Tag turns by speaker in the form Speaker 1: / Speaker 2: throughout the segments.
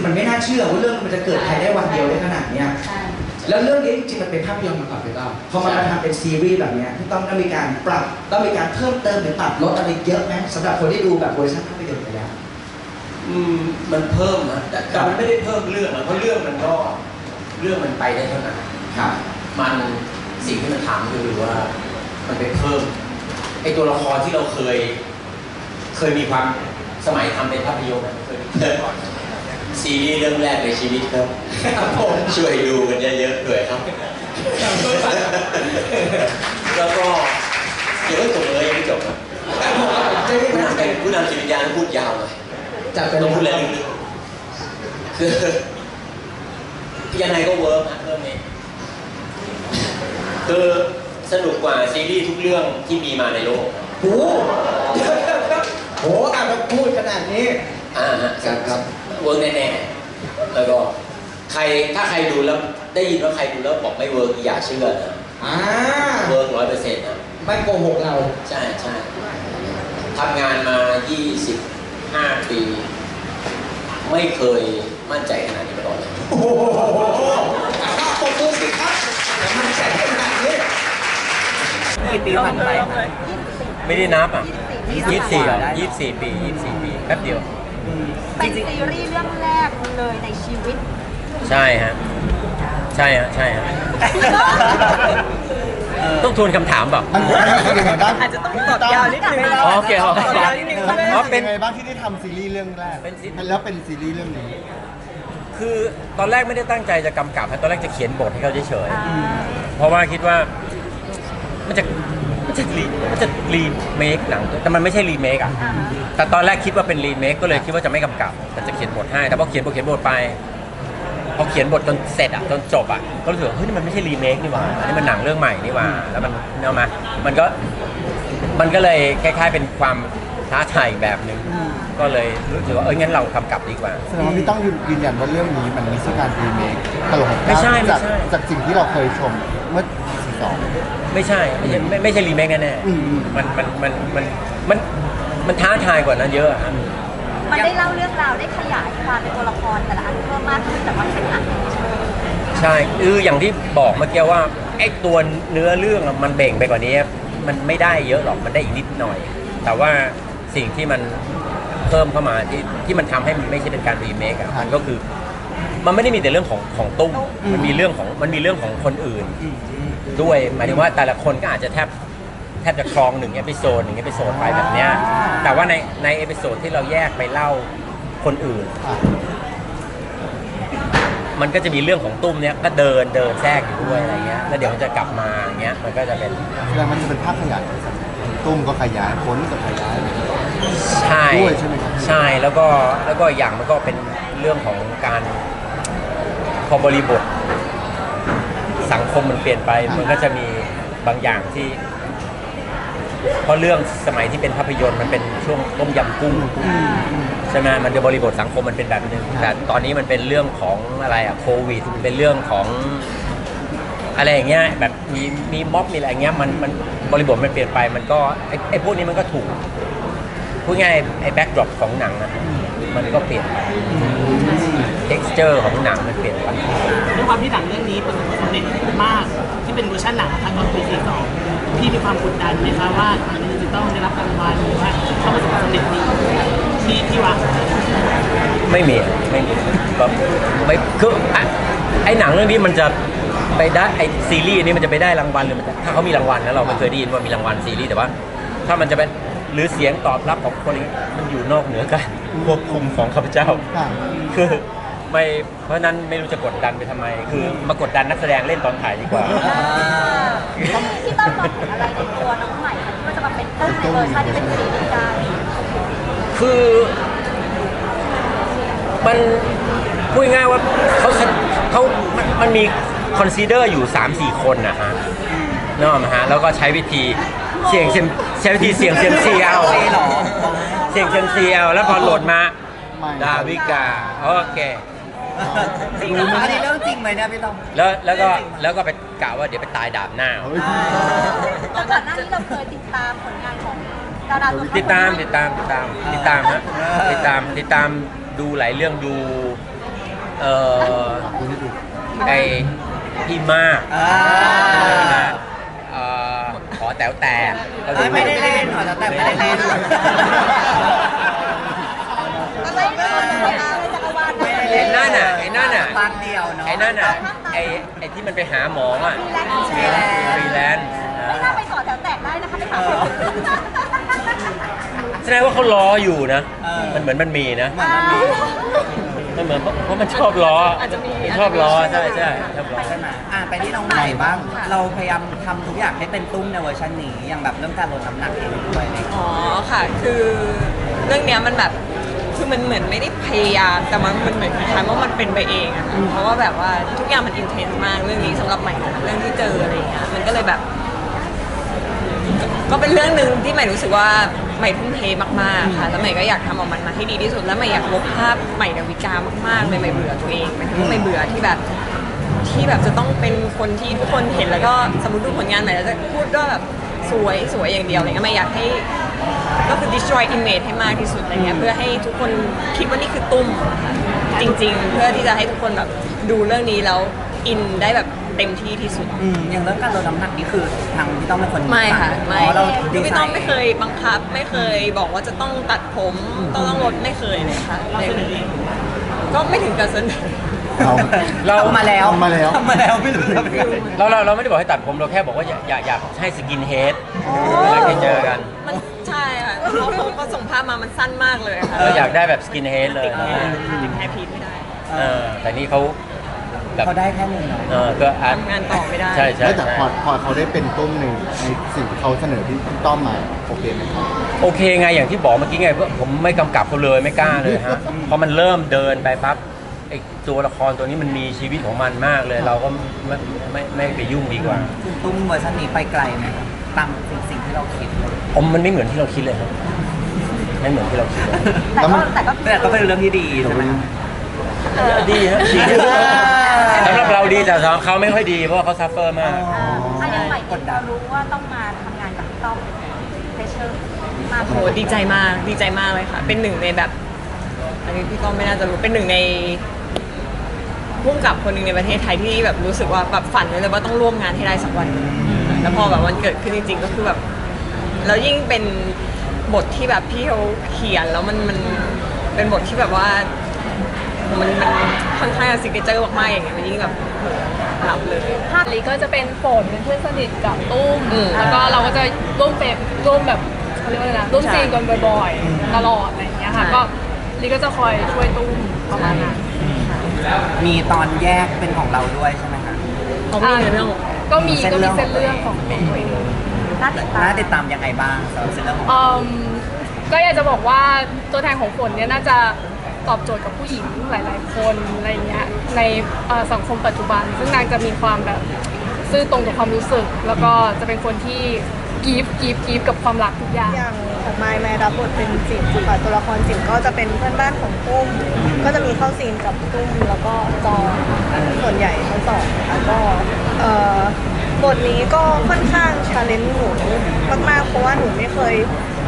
Speaker 1: มันไม่น่าเชื่อว่าเรื่องมันจะเกิดภายในวันเดียวได้ขนาดเนี้ยแล้วเรื่องนี้จริงๆมันเป็นภาพยนตร์มาก่อนพี่ต้อมพอมาทำเป็นซีรีส์แบบนี้พี่ต้อมต้องมีการปรับต้องมีการเพิ่มเติมหรือปรับลดอะไรเยอะไหมสำหรับคนที่ดูแบบเวอร์ชันภาพยนตร์ไปแล้ว
Speaker 2: มันเพิ่มนะแต่มันไม่ได้เพิ่มเรื่องนะเพราะเรื่องมันก็เรื่องมันไปได้เท่านั้น
Speaker 1: ครับ
Speaker 2: มันสิ่งที่มันทำคือว่ามันไปเพิ่มไอตัวละครที่เราเคยมีความสมัยทำเป็นภาพยนตร์เคยมีซีรีส์เรื่องแรกในชีวิตครับผมช่วยดูกันเยอะๆด้วยครับแล้วก็เดี๋ยวไม่จบเลยยังไม่จบนะผู้นำจิตวิญญาณพูดยาวเลยต้องพูดอะไรลึกๆคือยังไงก็เวิร์กนะเรื่องนี้คือสนุกกว่าซีรีส์ทุกเรื่องที่มีมาในโลก
Speaker 1: โอ้โหอ่ะมาพูดขนาดนี้
Speaker 2: ครับเวิร์กแน่ๆแล้วก็ถ้าใครดูแล้วได้ยินว่าใครดูแล้วบอกไม่เวิร์กอย่าเชื่อนะเวิร์ก100%นะ
Speaker 1: ไม่โกหกเรา
Speaker 2: ใช่ทำงานมา25 ปีไม่เคยมั่นใจขนาดนี้มาก่อนเลย
Speaker 1: โอ้โหปรบมือสิครับมั่นใจขนาดนี้
Speaker 3: กี่ปีผ่านไป
Speaker 2: ไม่ได้นับอ่ะ24 ปีแป๊บเดียว
Speaker 4: เป็นซีรีส์เรื่องแรกเลยในชีวิต
Speaker 2: ใช่ฮะต้องทวนคำถามแบบ
Speaker 3: อาจจะต้องตอบยาวนิดนึง
Speaker 2: โอเค
Speaker 3: ตอบยาวนิดนึง
Speaker 5: เป็นไงบ้างที่ได้ทำซีรีส์เรื่องแรกแล้วเป็นซีรีส์เรื่องนี้
Speaker 2: คือตอนแรกไม่ได้ตั้งใจจะกำกับตอนแรกจะเขียนบทให้เขาเฉยๆเพราะว่าคิดว่ามันจะรีเมคหนังแต่มันไม่ใช่รีเมคอ่ะแต่ตอนแรกคิดว่าเป็นรีเมคก็เลยคิดว่าจะไม่กำกับแต่จะเขียนบทให้แต่พอเขียนบทไปพอเขียนบทจนเสร็จอ่ะจนจบอ่ะก็รู้สึกว่าเฮ้ยนี่มันไม่ใช่รีเมคนี่หว่าอันนี้มันหนังเรื่องใหม่นี่หว่าแล้วมันเอามามันก็เลยคล้ายๆเป็นความท้าทายแบบนึงก็เลยรู้สึกว่างั้นเราทำกลับดีกว่า
Speaker 5: แสดงว่าพี่ต้องยืนยันว่าเรื่องนี้มันไม่ใช่การรีเมคตลก
Speaker 2: ไม่ใช่
Speaker 5: จากสิ่งที่เราเคยชมเมื่อ
Speaker 2: ไม่ใช่รีเมคแน่ๆมันท้าทายกว่านั้นเยอะ
Speaker 4: มันได้เล่าเรื่องราวได้ขยายความในตัวละครแต่ละอันเพิ่มมากขึ้นแต่ว่าเป็นหนัง
Speaker 2: ใช่อย่างที่บอกเมื่อกี้ว่าไอ้ตัวเนื้อเรื่องมันเบ่งไปกว่านี้มันไม่ได้เยอะหรอกมันได้อีกนิดหน่อยแต่ว่าสิ่งที่มันเพิ่มเข้ามาที่มันทำให้มันไม่ใช่เป็นการรีเมคอ่ะมันก็คือมันไม่ได้มีแต่เรื่องของตุ้มมันมีเรื่องของคนอื่นด้วยหมายถึงว่าแต่ละคนก็อาจจะแทบจะครอง1 เอพิโซดไปแบบเนี้ยแต่ว่าในเอพิโซดที่เราแยกไปเล่าคนอื่นมันก็จะมีเรื่องของตุ้มเนี้ยก็เดินแทรกอยู่ด้วยอะไรเงี้ยแล้วเดี๋ยวมันจะกลับมาอย่างเงี้ยมันก็จะเป็น
Speaker 5: แล้วมันจะเป็นภาพขยายตุ้มก็ขยายผลก็ขยาย
Speaker 2: ใช่
Speaker 5: ด้วยใช่ไหมครับ
Speaker 2: ใช่แล้วก็อย่างมันก็เป็นเรื่องของการพอบริบทสังคมมันเปลี่ยนไปมันก็จะมีบางอย่างที่เพราะเรื่องสมัยที่เป็นภาพยนตร์มันเป็นช่วงต้มยำกุ้งใช่ไหมมันจะบริบทสังคมมันเป็นแบบนึงแต่ตอนนี้มันเป็นเรื่องของอะไรอะโควิดเป็นเรื่องของอะไรอย่างเงี้ยแบบมีม็อบมีอะไรเงี้ยมันบริบทมันเปลี่ยนไปมันก็ไอ้พวกนี้มันก็ถูกพูดง่ายไอ้แบ็คดรอปของหนังอะมันก็เปลี่ยนไป texture ของหนังมันเปลี่ยนไป
Speaker 3: ด้วยความที่หนังเรื่องนี้เป็นความสำเร็จมากที่เป็นเวอร์ชันหนังทางตอนปี42พี่มีความกดดันไหมคะว่าอันนี้จะต้องได้รับรางวัลหรือว่าเข้าประสบความสำเร็จดีที่วาง
Speaker 2: ไม่มีก็ไม่คือไอ้หนังเรื่องนี้มันจะไปได้ไอ้ซีรีส์นี้มันจะไปได้รางวัลหรือมันถ้าเขามีรางวัลนะเราไม่เคยได้ยินว่ามีรางวัลซีรีส์แต่ว่าถ้ามันจะเป็นหรือเสียงตอบรับของคนนี้มันอยู่นอกเหนือการควบคุมของข้าพเจ้าคือไม่เพราะนั้นไม่รู้จะกดดันไปทำไมคือมากดดันนักแสดงเล่นตอนถ่ายดีกว่า
Speaker 4: ที่ต้องมองเห็นอะไรในตัวน้องใหม่ที่ว่าจะมาเป็นต้นในเวอร์ชันที่เป็นซีรีส์ได้
Speaker 2: คือมันพูดง่ายว่ามันมีคอนซีเดอร์อยู่ 3-4 คนนะฮะนึกออกไหมฮะแล้วก็ใช้วิธีเสี่ยงเซียมซีเอาแล้วพอโหลดมาดาวิกาโอเค
Speaker 3: จริงเหรออันนี้เรื่องจริงไหมเนี่ยพี่ต้อม
Speaker 2: แล้วก็ไปกล่าวว่าเดี๋ยวไปตายดาบหน้า
Speaker 4: แล้วก่อนหน้านี้เราเคยติดตามผลงานของดาราตัว
Speaker 2: ติดตามฮะติดตามดูหลายเรื่องดูเออไอพี่มากขอแต๋วแต่
Speaker 6: ไม่ได้เล่นหรอแต่ไม่ได้เล่น
Speaker 4: อะไรไม่ได้จักรวาล
Speaker 2: ไอ้นั่นน่ะไอ้นั่นน่ะ
Speaker 6: บางเดียวเนาะ
Speaker 2: ไอ้นั่นน่ะไอ้ที่มันไปหาหมออ่ะฟรีแลนซ์
Speaker 4: ไม่น่าไปขอแถวแตกได้นะคะไปขอ
Speaker 2: แสดงว่าเขาล้ออยู่นะ มันเหมือนมันมีนะ มันเหมือนเพราะมันชอบล้อชอบล้อใช่ชอบล้อ
Speaker 6: ใช่ไหมไปที่น้องใหม่บ้าง เราพยายามทำทุกอย่างให้เป็นตุ้มในเวอร์ชันนี้อย่างแบบเรื่องการลดน้ำหนักเองด้วยอะไรอย่างเงี้ย
Speaker 7: อ๋อค่ะ คือเรื่องเนี้ยมันแบบคือมันเหมือนไม่ได้พยายามแต่มันเหมือนคล้ายๆว่ามันเป็นไปเองอะค่ะเพราะว่าแบบว่าทุกอย่างมันอินเทนส์มากเรื่องนี้สำหรับใหม่เรื่องที่เจออะไรอย่างเงี้ยมันก็เลยแบบ ก็เป็นเรื่องหนึ่งที่ใหม่รู้สึกว่าใหม่ทุ่มเทมากๆค่ะแล้วใหม่ก็อยากทำออกมันมาให้ดีที่สุดแล้วใหม่อยากลบภาพใหม่ดาวิกามากๆเลยใหม่เบื่อตัวเองหมายถึงว่าใหม่เบื่อที่แบบจะต้องเป็นคนที่ทุกคนเห็นแล้วก็สมมติดูผลงานใหม่แล้วจะพูดว่าแบบสวยอย่างเดียวอะไรเงี้ยใหม่อยากให้ก็คือ destroy image ให้มากที่สุดอะไรเงี้ยเพื่อให้ทุกคนคิดว่านี่คือตุ้มจริง ๆ เพื่อที่จะให้ทุกคนแบบดูเรื่องนี้แล้วอินได้แบบเต็มที่ที่สุด
Speaker 6: อย่างเรื่องการลดน้ำหนักนี่คือทางพี่ต้องเป็นคน
Speaker 7: ไม่ค่ะไม่
Speaker 6: อ๋อเราดี
Speaker 7: พี่
Speaker 6: ไซ
Speaker 7: ต้อง
Speaker 6: น์
Speaker 7: ไม่เคยบังคับไม่เคยบอกว่าจะต้องตัดผมต้องลดไม่เคยเลยค่ะก็ไม่ถึงกับเสนอ
Speaker 2: เรา
Speaker 6: ทำมาแล้ว
Speaker 5: ทำมาแล้ว
Speaker 6: ทำมาแล้วไม่รู้ทำยังไง
Speaker 2: เราไม่ได้บอกให้ตัดผมเราแค่บอกว่าอยากให้สกินเฮดเวลาเจอกัน
Speaker 7: มันใช่ค่ะเขาส่งภาพมามันสั้นมากเลยค่ะ
Speaker 2: เราอยากได้แบบสกินเฮดเลย
Speaker 7: ติดแฮร์พีทไม่ได้
Speaker 2: แต่นี่เขาแบบ
Speaker 6: เขาได้แค่หนึ่งเนาะ
Speaker 2: ก็อาจ
Speaker 7: ทำงานต่อไม่ได้
Speaker 2: ใช่
Speaker 5: แล้วแต่พอเขาได้เป็นตุ้มในสิ่งที่เขาเสนอที่ต้อมมาโอเคไหมครับ
Speaker 2: โอเคไงอย่างที่บอกเมื่อกี้ไงผมไม่กำกับเขาเลยไม่กล้าเลยฮะพอมันเริ่มเดินไปปั๊บไอ้ตัวละครตัวนี้มันมีชีวิตของมันมากเลย เราก็ไม่ไปยุ่งดีกว่า
Speaker 6: คุณตุ้มเวอร์ชันนี้ไปไกลไหมครับตามสิ่งที่เราคิดเลย
Speaker 2: มันไม่เหมือนที่เราคิดเลยครับไม่เหมือนที่เราคิดเลย
Speaker 6: แต่ก็เป็นเรื่องที่ดีใช่ไหมครับ
Speaker 2: ดีฮะดีสำหรับเราดีแต่สำหรับเขาไม่ค่อยดีเพราะว่าเขาซัฟเฟอร์มาก
Speaker 4: ถ้ายังใหม่เรารู้ว่าต้องมาทำงานกับพี่ต้อมเพชเชอร์มาก
Speaker 7: โหดีใจมากเลยค่ะ เป็นหนึ่งในแบบอันนี้พี่ก้องไม่น่าจะรู้เป็นหนึ่งในพุ่งกับคนหนึ่งในประเทศไทยที่แบบรู้สึกว่าแบบฝันไว้เลยว่าต้องร่วมงานให้ได้สักวันแล้วพอแบบวันเกิดขึ้นจริงๆก็คือแบบแล้วยิ่งเป็นบทที่แบบพี่เขาเขียนแล้วมันเป็นบทที่แบบว่ามันค่อนข้างซิกเนเจอร์มากๆอย่างเงี้ยมันยิ่งแบบรับเลย
Speaker 8: ภาคนี้ก็จะเป็นฝนเป็นเพื่อนสนิทกับตุ้ม
Speaker 7: อืม
Speaker 8: แล้วก็เราก็จะร่วมแบบเขาเรียกว่าอะไรนะร่วมซีนกันบ่อยๆตลอดอะไรอย่างเงี้ยค่ะก็ลีก็จะคอยช่วยตุ้มประมาณนั้น
Speaker 6: มีตอนแยกเป็นของเราด้วยใช่ไหมคะ
Speaker 7: เขามีในเรื่อง
Speaker 8: ก็มีเส้นเรื่องของตัวเอง
Speaker 4: น่าติดตาม
Speaker 6: น่าติดตามยังไงบ้างสำหรับเส้นเรื่องของ
Speaker 8: ก็อยากจะบอกว่าตัวแทนของฝนเนี่ยน่าจะตอบโจทย์กับผู้หญิงหลายๆคนอะไรเงี้ยในสังคมปัจจุบัน ซึ่งนางจะมีความแบบซื่อตรงกับความรู้สึก แล้วก็จะเป็นคนที่กีฟกับความรักทุกอย่าง
Speaker 9: อย่างของไมล์รับบทเป็นจิ๋มค่ะตัวละครจิ๋มก็จะเป็นเพื่อนบ้านของตุ้มก็จะมีเข้าซีนกับตุ้มแล้วก็จอส่วนใหญ่ทั้งสองค่ะก็บทนี้ก็ค่อนข้างชาเลนจ์หนูมากๆเพราะว่าหนูไม่เคย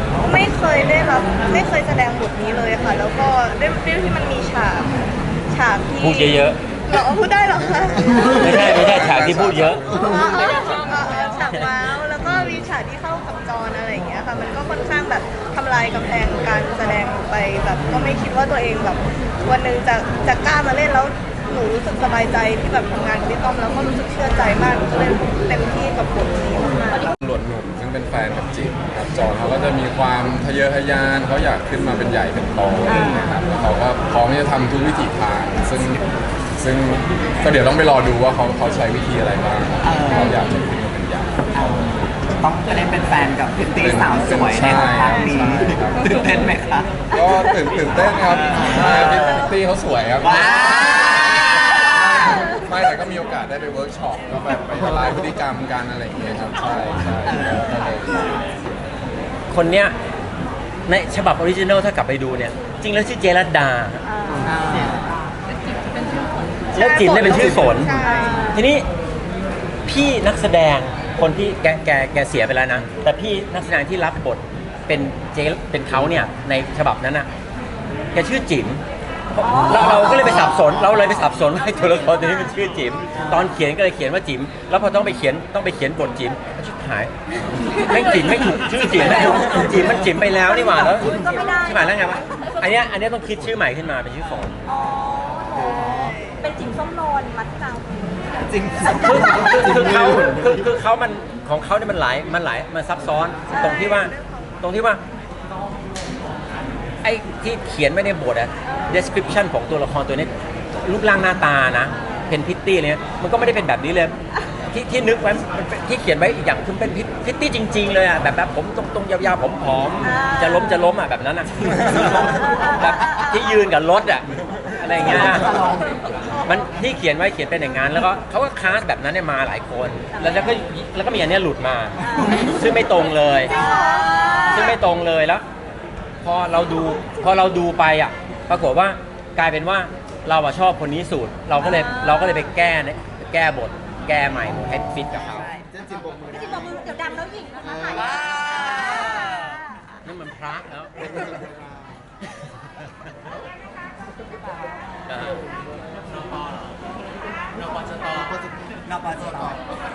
Speaker 9: แสดงบทนี้เลยค่ะ แล้วก็ด้วยที่มันมีฉากที่
Speaker 2: พูดเยอะ
Speaker 9: เราพูดได้เหรอคะ
Speaker 2: ๆไม่ใช่ฉากที่พูดเยอะ
Speaker 9: ฉากว้าวแล้วก็มีฉากที่เข้ากับจอนอะไรอย่างเงี้ยค่ะมันก็ค่อนข้างแบบทำลายกำแพงการแสดงไปแบบก็ไม่คิดว่าตัวเองแบบวันหนึ่งจะกล้ามาเล่นแล้วหนูรู้สึกสบายใจที่แบบทำงานกับพี่ต้อมแล้วก็รู้สึกเชื่อใจมากหนูก็เลยเต็มที่กับบทนี้มากๆ
Speaker 10: ตำรวจหนุ่มซึ่งเป็นแฟนกับจิ๋มครับจอห์นเขาก็จะมีความทะเยอทะยานเขาอยากขึ้นมาเป็นใหญ่เป็นโตอะไรอย่างเงี้ยครับแล้วเขาก็พร้อมที่จะทำทุกวิถีทางซึ่งก็เดี๋ยวต้องไปรอดูว่าเขาใช้วิธีอะไรบ้างเขาอยากจะขึ้นมาเป็นใหญ่
Speaker 6: ต้องจะได้เป็นแฟนกับพิตตี้สาวสวยในทางนี้
Speaker 10: ใช่ครับ
Speaker 6: ตื่นเต้นไหมคะ
Speaker 10: ก็ตื่นเต้นครับพิตตี้เขาสวยครับ
Speaker 6: ว้าว
Speaker 10: ไม่แต่ก็มีโอกาสได้ไปเวิร์กช็อปก็แบบไปละลายพฤติกรรมกันอะไรอย่างเงี้ยครับใช่ก็เลย
Speaker 2: คนเนี้ยในฉบับออริจินัลถ้ากลับไปดูเนี่ย จริงแล้วชื่อเจรัตดา แล้วจิ๋มเนี่ยเป็นชื่อฝน ทีนี้พี่นักแสดงคนที่แกเสียไปแล้วนะ แต่พี่นักแสดงที่รับบทเป็นเขาเนี่ยในฉบับนั้นน่ะแกชื่อจิ๋มเราก็เลยไปสับสนว่าตัวละครตัวนี้มันชื่อจิ๋มตอนเขียนก็เลยเขียนว่าจิ๋มแล้วพอต้องไปเขียนบทจิ๋มชิบหายไม่จิ๋มไม่ถูกชื่อจิ๋มจิ๋มมันจิ๋มไปแล้วนี่หว่าแล้วใช่ไหมแล้วไงวะอันเนี้ยต้องคิดชื่อใหม่ขึ้นมาเป็นชื่อฝน
Speaker 4: อ๋อเป็นจิ๋มส้มโนนมัดที่เรา
Speaker 6: จริง
Speaker 2: คือเขามันของเขาเนี่ยมันซับซ้อนตรงที่ว่าไอ้ที่เขียนไว้ในบทอะ description ของตัวละครตัวนี้รูปร่างหน้าตานะเป็นพิตตี้เนี่ยมันก็ไม่ได้เป็นแบบนี้เลยที่นึกไว้ที่เขียนไว้อีกอย่างคือเป็นพิตตี้จริงๆเลยอะแบบผมตรงยาวๆผมผอมจะล้มอะแบบนั้นอะแบบที่ยืนกับรถอะอะไรอย่างเงี้ยมันที่เขียนไว้เขียนเป็นอย่างนั้นแล้วก็เขาก็คาสแบบนั้นเนี่ยมาหลายคนแล้วก็มีอันเนี้ยหลุดมาซึ่งไม่ตรงเลยแล้วพอเราดูไปอ่ะปรากฏว่ากลายเป็นว่าเราชอบคนนี้สุดเราก็เลยไปแก้บทแก้ใหม่ให้ฟิตกับเขา
Speaker 4: จิ๋มบอกมือเดี๋ยวดังแล้วหญิงนะคะถ่าย
Speaker 2: นั่นมันพระแล้ว
Speaker 6: นปชต